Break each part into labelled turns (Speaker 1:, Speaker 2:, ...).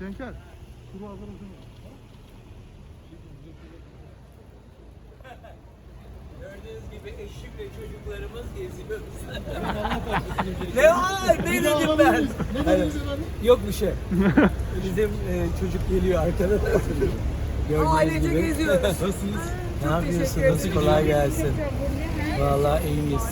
Speaker 1: Cenker. Kuru hazır mısın?
Speaker 2: Gördüğünüz gibi eşim ve çocuklarımız geziyoruz. Ne var? Ne dedim ben? Evet. Yok bir şey. Bizim çocuk geliyor arkada.
Speaker 3: Ailece geziyoruz.
Speaker 2: Nasılsınız? Ne
Speaker 3: Çok
Speaker 2: yapıyorsunuz?
Speaker 3: teşekkür ederim.
Speaker 2: Kolay gelsin. Vallahi iyiyiz.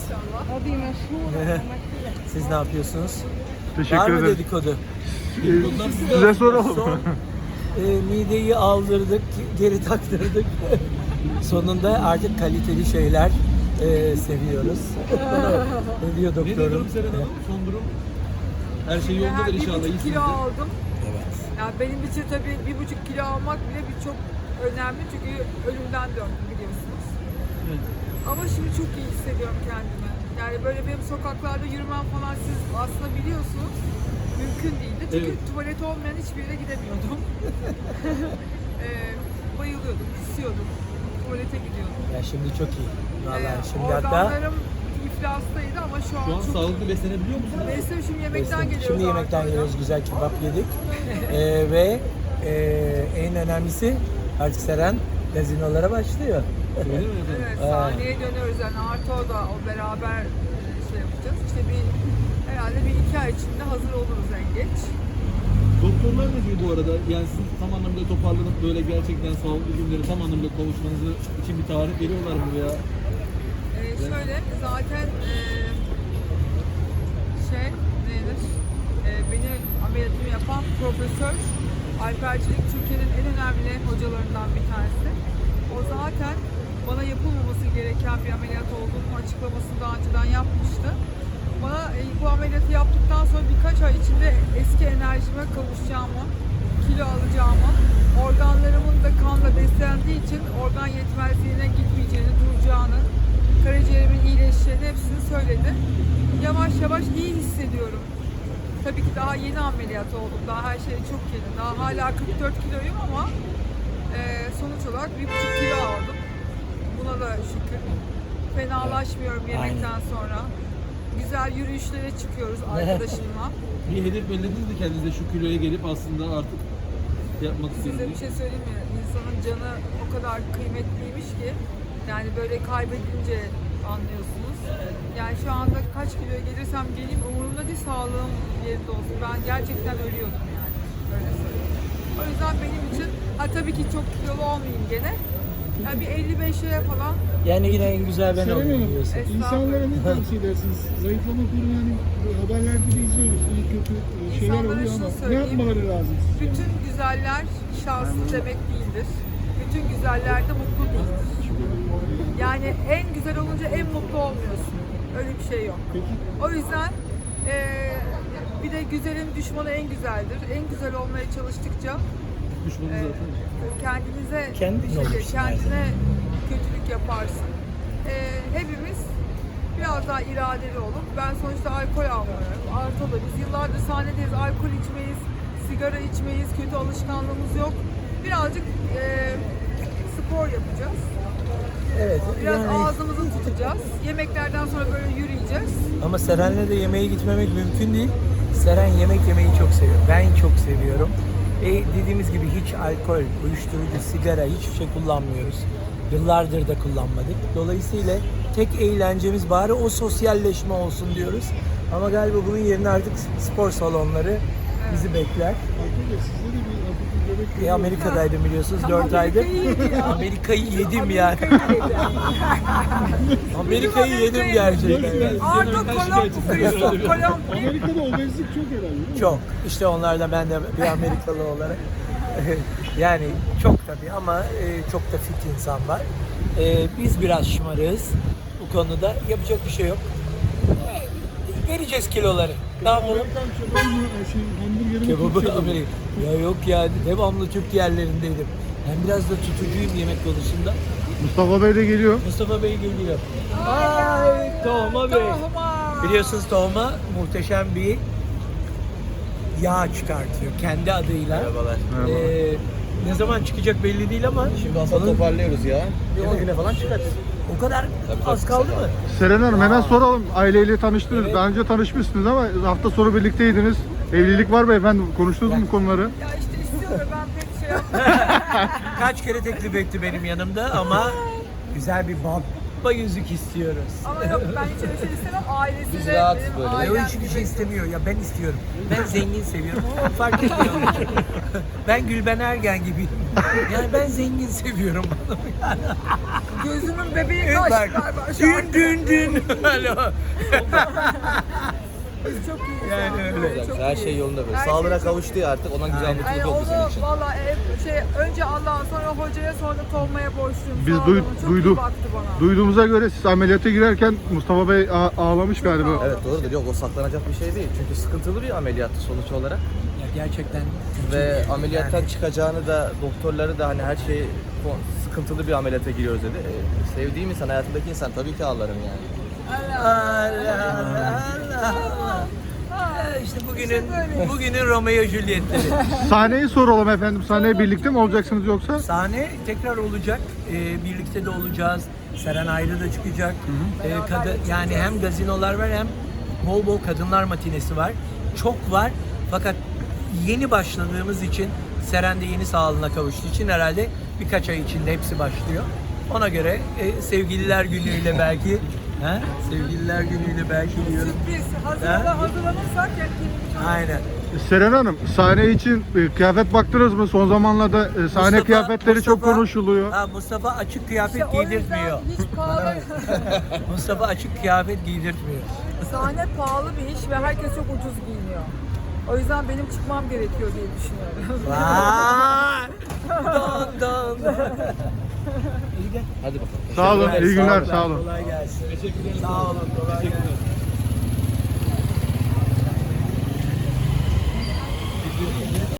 Speaker 2: Siz ne yapıyorsunuz? Var
Speaker 1: Teşekkür
Speaker 2: mı
Speaker 1: ederim.
Speaker 2: dedikodu?
Speaker 1: Size soralım.
Speaker 2: Son mideyi aldırdık, geri taktırdık. Sonunda artık kaliteli şeyler seviyoruz. Ne diyor
Speaker 4: Ne diyor
Speaker 2: doktorum?
Speaker 4: durum Seren Hanım? Son durum? Her şey yolundadır
Speaker 3: Ben
Speaker 4: inşallah.
Speaker 3: 1,5
Speaker 4: İyisiniz.
Speaker 3: kilo aldım.
Speaker 2: Evet.
Speaker 3: Yani benim için tabii 1,5 kilo almak bile çok önemli çünkü ölümden döndüm biliyorsunuz.
Speaker 4: Evet.
Speaker 3: Ama şimdi çok iyi hissediyorum kendimi. Yani böyle benim sokaklarda yürümem falan siz aslında biliyorsunuz mümkün değildi. Çünkü
Speaker 4: Evet.
Speaker 3: tuvalet olmayan hiçbir yere gidemiyordum. Bayılıyordum, kusuyordum. Tuvalete gidiyordum.
Speaker 2: Ya şimdi çok iyi. Vallahi şimdi hatta
Speaker 3: Organlarım iflastaydı ama şu an
Speaker 4: Şu an
Speaker 3: çok
Speaker 4: sağlıklı beslenebiliyor musunuz?
Speaker 3: Neyse şimdi yemekten geliyoruz.
Speaker 2: şimdi yemekten
Speaker 3: artık.
Speaker 2: geliyoruz, güzel kebap yedik. Ve en önemlisi artık Seren gazinolara başlıyor.
Speaker 4: Öyle mi efendim?
Speaker 3: Evet, sahneye dönüyoruz yani Arto'da o beraber şey yapacağız. İşte herhalde bir 2 ay içinde hazır oluruz en geç.
Speaker 4: Doktorlar ne diyor bu arada? Yani siz tam anlamıyla toparlanıp böyle gerçekten sağlıklı günleri tam anlamıyla kavuşmanızı için bir tarih veriyorlar mı veya?
Speaker 3: Şöyle zaten nedir? Beni ameliyatımı yapan profesör Alpercilik Türkiye'nin en önemli hocalarından bir tanesi. O zaten bana yapılmaması gereken bir ameliyat olduğunu açıklamasını daha önceden yapmıştı. Bana bu ameliyatı yaptıktan sonra birkaç ay içinde eski enerjime kavuşacağımı, kilo alacağımı, organlarımın da kanla beslendiği için organ yetmezliğine gitmeyeceğini, duracağını, karaciğerimin iyileşeceğini hepsini söyledi. Yavaş yavaş iyi hissediyorum. Tabii ki daha yeni ameliyat oldum. Daha her şey çok yeni. Daha hala 44 kiloyum ama sonuç olarak 1,5 kilo aldım. Buna da şükür. Fenalaşmıyorum yemekten sonra. Güzel yürüyüşlere çıkıyoruz arkadaşımla.
Speaker 4: Bir hedef belirlediniz mi kendinize şu kiloya gelip aslında artık yapmak
Speaker 3: Size bir
Speaker 4: istediğiniz?
Speaker 3: şey söyleyeyim mi? İnsanın canı o kadar kıymetliymiş ki yani böyle kaybedince anlıyorsunuz. Yani şu anda kaç kiloya gelirsem geleyim umurumda değil, sağlığım yerinde olsun. Ben gerçekten ölüyordum yani. Öyle söyleyeyim. O yüzden benim için tabii ki çok kilolu olmayayım gene. Yani bir 55'e falan.
Speaker 2: Yani yine en güzel ben
Speaker 1: Seren
Speaker 2: olayım
Speaker 1: Hanım,
Speaker 2: diyorsun.
Speaker 1: insanlara ne tavsiye edersiniz? Zayıflama kurunu yani haberlerde de izliyoruz. İyi kötü şeyler
Speaker 3: İnsanlara
Speaker 1: oluyor
Speaker 3: şunu
Speaker 1: ama ne
Speaker 3: söyleyeyim.
Speaker 1: yapmaları lazım?
Speaker 3: Bütün güzeller şanslı demek değildir. Bütün güzeller de mutlu değildir. Yani en güzel olunca en mutlu olmuyorsun. Öyle bir şey yok.
Speaker 1: Peki.
Speaker 3: O yüzden bir de güzelin düşmanı en güzeldir. En güzel olmaya çalıştıkça
Speaker 4: Düşmanınız zaten.
Speaker 3: kendinize
Speaker 2: Kendin olursun her
Speaker 3: kendine kötülük yaparsın. Hepimiz biraz daha iradeli olup ben sonuçta alkol almıyorum. Arto'da biz yıllardır sahnedeyiz. Alkol içmeyiz, sigara içmeyiz, kötü alışkanlığımız yok. Birazcık spor yapacağız.
Speaker 2: Evet.
Speaker 3: Biraz
Speaker 2: yani-
Speaker 3: ağzımızı tutacağız. Yemeklerden sonra böyle yürüyeceğiz.
Speaker 2: Ama Seren'le de yemeğe gitmemek mümkün değil. Seren yemek yemeyi çok seviyor. Ben çok seviyorum. Dediğimiz gibi hiç alkol, uyuşturucu, sigara hiçbir şey kullanmıyoruz. Yıllardır da kullanmadık. Dolayısıyla tek eğlencemiz bari o sosyalleşme olsun diyoruz. Ama galiba bunun yerine artık spor salonları bizi bekler.
Speaker 1: Arkadaşlar sizde de bir hafif bir göbek görüyoruz.
Speaker 2: Amerika'daydım biliyorsunuz 4 aydır.
Speaker 3: Amerika'yı yedi ya.
Speaker 2: Amerika'yı yedim yani. Amerika'yı yedim
Speaker 3: Amerika'yı
Speaker 2: gerçekten.
Speaker 3: Arto Colombo, Christoph Colombo.
Speaker 1: Amerika'da obezlik çok herhalde değil mi?
Speaker 2: Çok. İşte onlardan ben de bir Amerikalı olarak. Yani çok tabii ama çok da fit insan var. Biz biraz şımarığız bu konuda. Yapacak bir şey yok. Vereceğiz kiloları. Ne yapalım?
Speaker 1: Amerikan kebabı mı, hamburgeri mi?
Speaker 2: Kebabı
Speaker 1: Türk kebabı mı?
Speaker 2: Amerika. Ya yok ya, devamlı Türk yerlerindeydim. Ben biraz da tutucuyum yemek konusunda.
Speaker 1: Mustafa Bey de geliyor.
Speaker 2: Mustafa Bey geliyor. Ay Tohma Bey.
Speaker 3: Tohuma.
Speaker 2: Biliyorsunuz Tohma muhteşem bir yağ çıkartıyor kendi adıyla.
Speaker 5: Merhabalar.
Speaker 2: Ne zaman çıkacak belli değil ama
Speaker 5: Şimdi aslında
Speaker 2: onun
Speaker 5: toparlıyoruz ya. Bir 10
Speaker 2: Evet.
Speaker 5: güne falan çıkarız.
Speaker 2: o kadar
Speaker 5: Tabii,
Speaker 2: az
Speaker 5: tabii,
Speaker 2: kaldı
Speaker 5: kısa
Speaker 2: mı?
Speaker 1: Seren Hanım hemen soralım. Aileyle tanıştınız.
Speaker 2: Evet.
Speaker 1: Daha önce tanışmışsınız ama hafta sonu birlikteydiniz. Evlilik var mı efendim? Konuştunuz mu bu konuları?
Speaker 3: Ya işte ve ben pek şey yapmıyorum.
Speaker 2: Kaç kere teklif etti benim yanımda ama güzel bir baba yüzük istiyoruz.
Speaker 3: Ama yok, ben hiç öyle şey istemem. Ailesi
Speaker 5: Biz
Speaker 3: de
Speaker 5: rahatız
Speaker 3: benim
Speaker 5: böyle.
Speaker 3: ailem
Speaker 2: O hiçbir
Speaker 3: gibi.
Speaker 2: şey istemiyor ya, ben istiyorum. Ben zengin seviyorum ama fark etmiyor. Ben Gülben Ergen gibiyim. Yani ben zengin seviyorum.
Speaker 3: Gözümün bebeği kaçtı
Speaker 2: Bak,
Speaker 3: galiba şu an.
Speaker 2: dün. Alo.
Speaker 3: Biz çok iyiyiz.
Speaker 2: Yani öyle.
Speaker 3: Çok
Speaker 5: Her şey
Speaker 3: iyiyiz.
Speaker 5: yolunda böyle.
Speaker 3: Her şey
Speaker 5: Sağlığına
Speaker 3: çok
Speaker 5: kavuştu ya artık. Ona güzel
Speaker 3: Yani
Speaker 5: mutluluk oldu senin
Speaker 3: onu
Speaker 5: için.
Speaker 3: valla önce Allah'a, sonra hocaya, sonra da Tolma'ya borçluyum.
Speaker 6: Biz
Speaker 3: Sağ olun, çok iyi baktı bana.
Speaker 6: duyduğumuza göre siz ameliyata girerken Mustafa Bey ağlamış galiba.
Speaker 3: ağlamış.
Speaker 5: Evet doğrudur. Yok o saklanacak bir şey değil. Çünkü sıkıntılı bir ameliyattı sonuç olarak.
Speaker 2: Ya gerçekten
Speaker 5: Ve ameliyattan çıkacağını da doktorları da hani her şey sıkıntılı bir ameliyata giriyoruz dedi. Sevdiğim insan, hayatımdaki insan tabii ki ağlarım yani.
Speaker 2: Allah. İşte bugünün Romeo Juliet'leri.
Speaker 6: Sahneyi soralım efendim. Sahneye birlikte mi olacaksınız yoksa?
Speaker 2: Sahne tekrar olacak. Birlikte de olacağız. Seren ayrı da çıkacak. Yani hem gazinolar var hem bol bol kadınlar matinesi var. Çok var. Fakat yeni başladığımız için, Seren de yeni sağlığına kavuştuğu için herhalde birkaç ay içinde hepsi başlıyor. Ona göre sevgililer günüyle belki sevgililer günüyle belki diyorum.
Speaker 3: Sürpriz. Hazırlanırsak yani
Speaker 2: Aynen.
Speaker 6: Seren Hanım, sahne için kıyafet baktınız mı? Son zamanlarda sahne kıyafetleri çok konuşuluyor.
Speaker 2: Mustafa açık kıyafet
Speaker 3: İşte o yüzden
Speaker 2: giydirtmiyor.
Speaker 3: hiç pahalı.
Speaker 2: Mustafa açık kıyafet giydirtmiyor.
Speaker 3: Sahne pahalı bir iş ve herkes çok ucuz giyiniyor. O yüzden benim çıkmam gerekiyor diye düşünüyorum.
Speaker 2: Vay! Don.
Speaker 5: Hadi bakalım.
Speaker 6: Sağ olun, iyi günler,
Speaker 2: Sağ
Speaker 6: sağ olun.
Speaker 2: Kolay gelsin.
Speaker 4: Teşekkür ederim.
Speaker 2: Sağ olun. Kolay gelsin.